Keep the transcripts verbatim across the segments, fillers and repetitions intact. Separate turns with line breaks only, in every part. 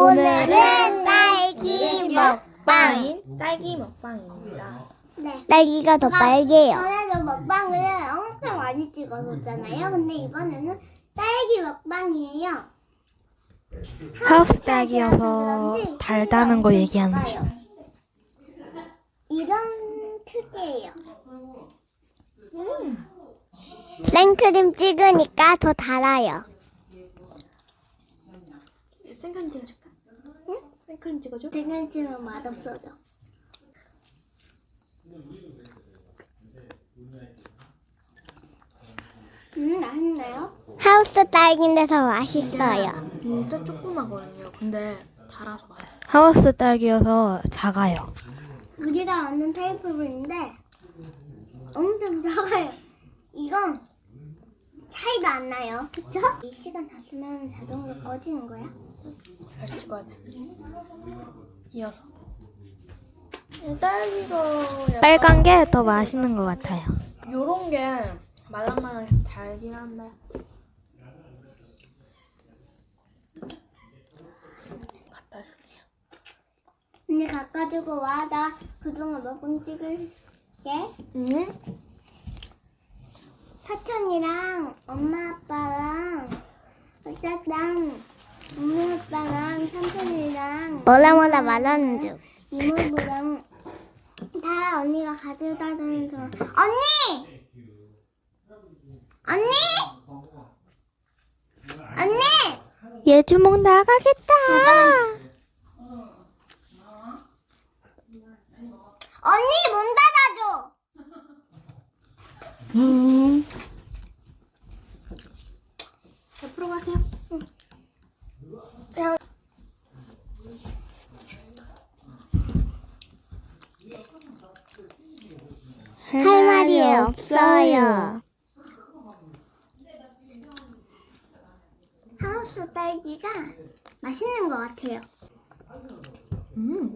오늘은 딸기 먹방.
먹방인 딸기 먹방입니다.
네.
딸기가 더 빨개요.
전에도 먹방을 엄청 많이 찍었었잖아요. 근데 이번에는 딸기 먹방이에요.
하우스 딸기여서
그런지
달다는 거
엄청
얘기하는
작아요.
중.
이런 크기예요.
생크림 찍으니까 더 달아요.
생크림 찍어줄까? 응? 생크림 찍어줘?
지금 지금 맛없어져. 음, 맛있나요?
하우스 딸기인데 더 맛있어요.
진짜 조그마거든요. 근데 달아서 맛있어. 하우스 딸기여서 작아요.
우리가 만든 테이프인데 엄청 작아요. 이건 차이도 안 나요. 그쵸? 이 시간 다 쓰면 자동으로 꺼지는 거야?
다시 찍어야 돼. 이어서. 딸기가 약간
빨간 게 더 맛있는 것 같아요.
요런 게 말랑말랑해서 달긴 한데 갖다 줄게요.
언니 가까지고 와. 나 그동안 먹은 찍을게.
응?
사촌이랑 엄마 아빠랑 어쨌든 엄마 아빠랑 삼촌이랑
몰라 몰라 말하는 중.
이모부랑 다 언니가 가져다 주는 거. 언니! 언니! 언니!
얘 주먹 나가겠다.
언니 문 닫아줘.
음.
옆으로 가세요.
할 말이 없어요.
하우스 딸기가 맛있는 것 같아요.
음.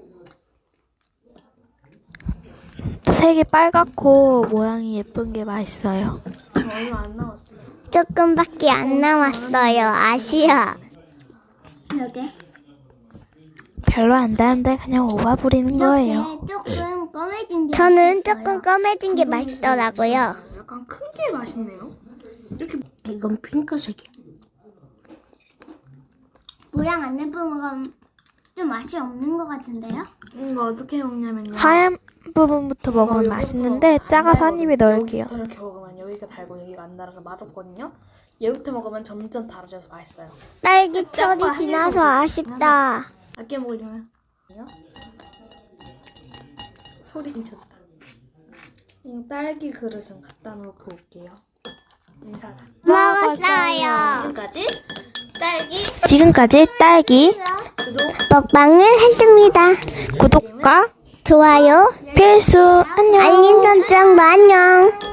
색이 빨갛고 모양이 예쁜 게 맛있어요.
얼마 안 남았어요.
조금밖에 안 남았어요. 아시아.
이렇게
별로 안 다는데 그냥 오바 부리는 거예요.
이렇게 조금 검해진 게
저는
맛있어요.
조금 검해진 게 맛있더라고요.
약간 큰 게 맛있네요. 이렇게 이건 핑크색이야.
모양 안 예쁜 건 좀 맛이 없는 것 같은데요?
이거 어떻게 먹냐면요.
하얀 부분부터 먹으면
요거부터
맛있는데
안
작아서 한
달고
입에 넣을게요.
여기부터 이렇게 먹으면 여기가 달고 여기가 안 달아서 맛없거든요. 얘부터 먹으면 점점 달아져서 맛있어요.
딸기 철이 지나서 아쉽다.
아껴 먹으려면 소리 좋다. 음, 딸기 그릇은 갖다 놓고 올게요. 인사다.
먹었어요.
지금까지 딸기
지금까지 딸기
구독
먹방을 했습니다.
구독과
좋아요,
필수 안녕.
알림 설정도 안녕.